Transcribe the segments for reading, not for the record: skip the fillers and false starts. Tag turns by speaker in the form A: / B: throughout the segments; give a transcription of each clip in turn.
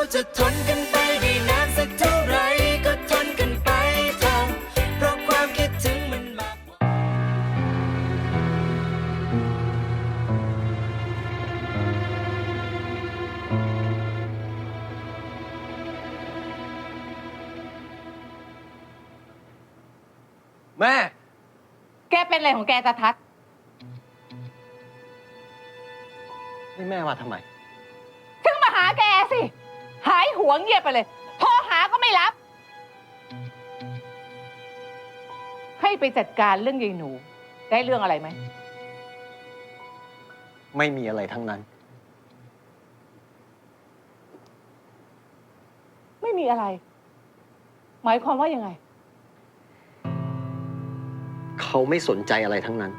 A: จะทนกันไปได้นานสักเท่าไรก็ทนกันไปเถอะเพราะความคิดถึงมันมากกว่า
B: แม่
C: แกเป็นอะไรของแกตาทัศน์
B: นี่แม่มาทำไม
C: ถึงมาหาแกสิ หายหัวเงียบไปเลย โทรหาก็ไม่รับ ให้ไปจัดการเรื่องยายหนู ได้เรื่องอะไรไหม
B: ไม่มีอะไรทั้งนั้น
C: ไม่มีอะไร หมายความว่ายังไง
B: เขาไม่สนใจอะไรทั้งนั้น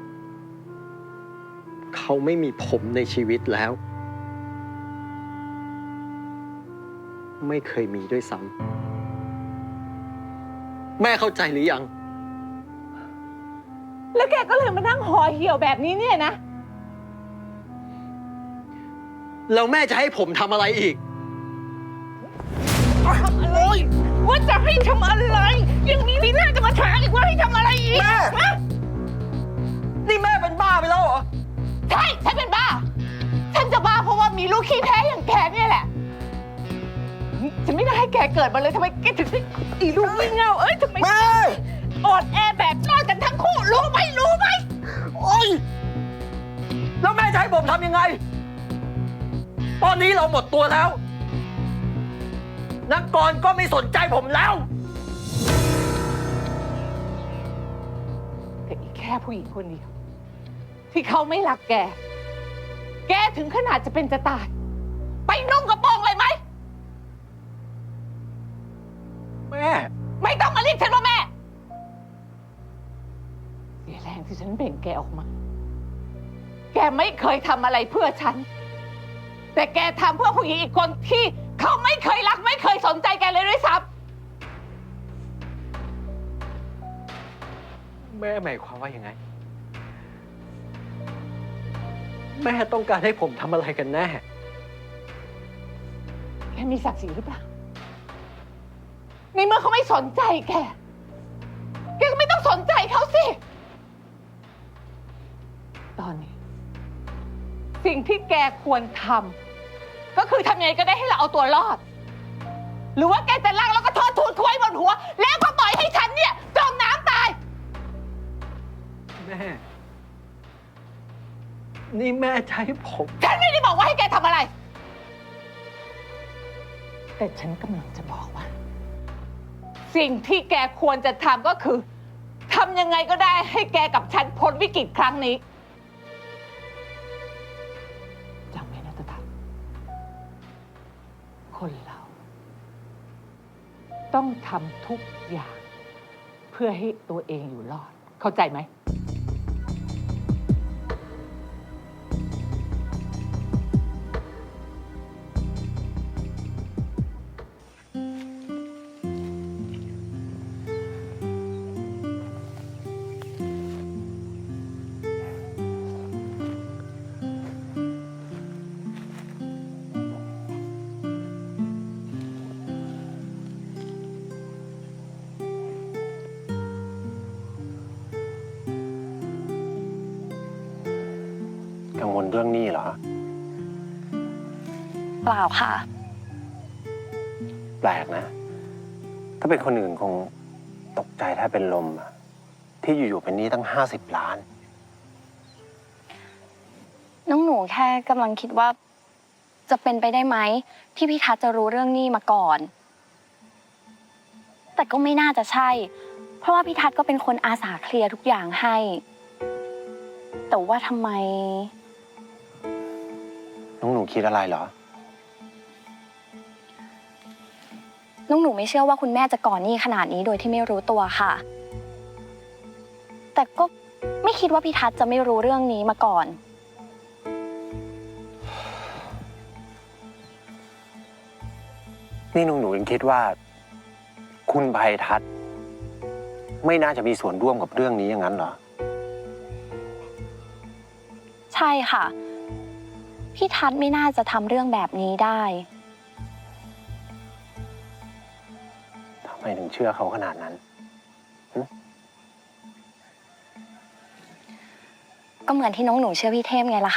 B: เขาไม่มีผมในชีวิตแล้ว ไม่เคยมีด้วยซ้ำแม่เข้าใจหรือยัง
C: แล้วแกก็เลยมานั่งห่อเหี่ยวแบบนี้เนี่ยนะ
B: แล้วแม่จะให้ผมทำอะไรอีก
C: ทำอะไรว่าจะให้ทำอะไร ยังมีทีหน้าจะมาถามอีกว่าให้ทำอะไรอีก
B: แม่
C: ฮะ
B: นี่แม่เป็นบ้าไปแล้วเหรอ
C: ใช่ฉันเป็นบ้า ฉันจะบ้าเพราะว่ามีลูกขี้แพ้อย่างแกเนี่ยแหละ ฉันไม่ได้ให้แกเกิดมาเลยทำไมแกถึงได้อีลูกงี่เง่าทำไม
B: แม่
C: อ่อนแอแบบนอนกันทั้งคู่รู้ไหม
B: โอ๊ย แล้วแม่จะให้ผมทำยังไง ตอนนี้เราหมดตัวแล้ว นักกรก็ไม่สนใจผมแล้ว
C: แต่อีกแค่ผู้หญิงคนเดียวที่เขาไม่รักแก แกถึงขนาดจะเป็นจะตาย ไปนุ่งกระโปรงเลยไหม
B: แม่
C: ไม่ต้องมาเรียกฉันว่าแม่ เสียแรงที่ฉันเบ่งแกออกมา แกไม่เคยทำอะไรเพื่อฉัน แต่แกทำเพื่อผู้หญิงอีกคนที่เขาไม่เคยรักไม่เคยสนใจแกเลยด้วยซ้
B: แม่หมายความว่ายังไง แม่ต้องการให้ผมทำอะไรกันแน่
C: ำแกมีศักดิ์ศรีหรือเปล่า ในเมื่อเขาไม่สนใจแก แกก็ไม่ต้องสนใจเขาสิ ตอนนี้ สิ่งที่แกควรทำก็คือทำยังไงก็ได้ให้เราเอาตัวรอด หรือว่าแกจะลากแล้วก็ทอดทูนคุยบนหัว แล้วก็ปล่อยให้ฉันเนี่ยจมน้ำตาย
B: แม่ นี่แม่จะให้ผม
C: ฉันไม่ได้บอกว่าให้แกทำอะไร แต่ฉันกำลังจะบอกว่า สิ่งที่แกควรจะทำก็คือทำยังไงก็ได้ให้แกกับฉันพ้นวิกฤตครั้งนี้จำไว้นะตาทัศน์คนเรา ต้องทำทุกอย่าง เพื่อให้ตัวเองอยู่รอด เข้าใจไหม
B: กังวลเรื่องนี้เหรอ
D: เปล่าค่ะ
E: แปลกนะ ถ้าเป็นคนอื่นคงตกใจถ้าเป็นลมอะที่อยู่ๆเป็นหนี้ตั้ง50 ล้าน
D: น้องหนูแค่กำลังคิดว่า จะเป็นไปได้ไหมที่พี่ทัศน์จะรู้เรื่องนี้มาก่อน แต่ก็ไม่น่าจะใช่ เพราะว่าพี่ทัศน์ก็เป็นคนอาสาเคลียร์ทุกอย่างให้ แต่ว่าทำไม
E: น้องหนูคิดอะไรเหรอ
D: น้องหนูไม่เชื่อว่าคุณแม่จะก่อหนี้ขนาดนี้โดยที่ไม่รู้ตัวค่ะ แต่ก็ไม่คิดว่าพี่ทัศน์จะไม่รู้เรื่องนี้มาก่อน
E: นี่น้องหนูยังคิดว่า คุณภัยทัศน์ไม่น่าจะมีส่วนร่วมกับเรื่องนี้อย่างนั้นเหรอ
D: ใช่ค่ะ พี่ทัศน์ไม่น่าจะทำเรื่องแบบนี้ได้
E: ไมถึงเชื่อเขาขนาดนั้น
D: ก็เหมือนที่น้องหนูเชื่อพี่เทพไงล่ะคะ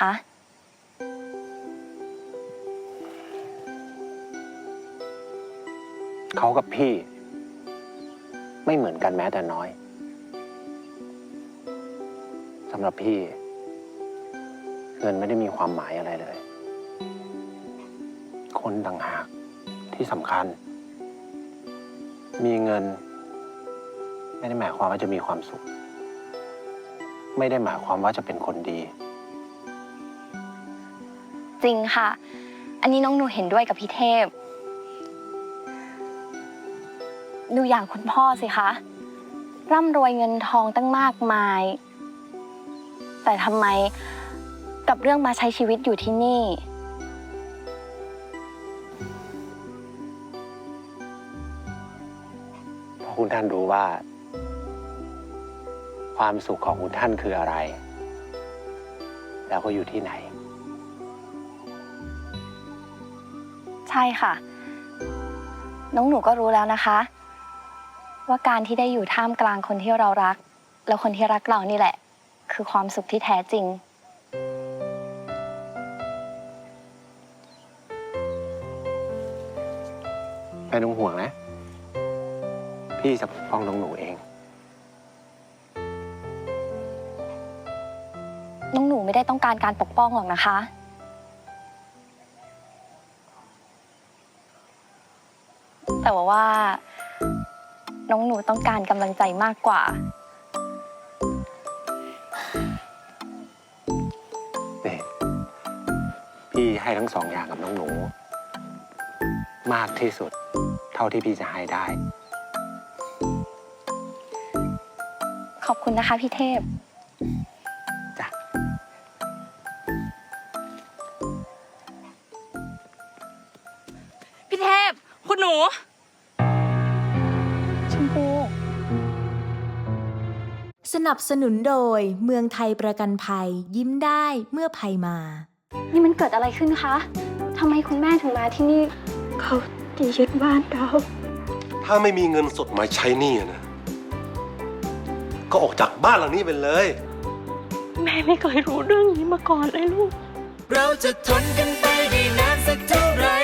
E: เขากับพี่ ไม่เหมือนกันแม้แต่น้อยสำหรับพี่ เงินไม่ได้มีความหมายอะไรเลย คนต่างหากที่สำคัญ มีเงิน ไม่ได้หมายความว่าจะมีความสุข ไม่ได้หมายความว่าจะเป็นคนดี
D: จริงค่ะ อันนี้น้องหนูเห็นด้วยกับพี่เทพ ดูอย่างคุณพ่อสิคะ ร่ำรวยเงินทองตั้งมากมาย แต่ทำไมกับเรื่องมาใช้ชีวิตอยู่ที่นี่
E: เพราะคุณท่านรู้ว่า ความสุขของคุณท่านคืออะไร แล้วก็อยู่ที่ไหน
D: ใช่ค่ะ น้องหนูก็รู้แล้วนะคะ ว่าการที่ได้อยู่ท่ามกลางคนที่เรารัก แล้วคนที่รักเรานี่แหละ คือความสุขที่แท้จริง
E: ไม่ต้องห่วงนะ พี่จะปกป้องน้องหนูเอง
D: น้องหนูไม่ได้ต้องการการปกป้องหรอกนะคะ แต่ว่าน้องหนูต้องการกำลังใจมากกว่า
E: นี่พี่ให้ทั้งสองอย่างกับน้องหนู มากที่สุด เท่าที่พี่จะให้ได้
D: ขอบคุณนะคะพี่เทพ
E: จ้ะ
F: พี่เทพ คุณหนู
D: ชมพู
G: สนับสนุนโดยเมืองไทยประกันภัยยิ้มได้เมื่อภัยมา
D: นี่มันเกิดอะไรขึ้นคะ ทำไมคุณแม่ถึงมาที่นี่
H: เขาจะยึดบ้านเรา
I: ถ้าไม่มีเงินสดมาใช้หนี้นะ ก็ออกจากบ้านหลังนี้ไปเลย
H: แม่ไม่เคยรู้เรื่องนี้มาก่อนเลยลูก
A: เราจะทนกันไปได้นานสักเท่าไหร่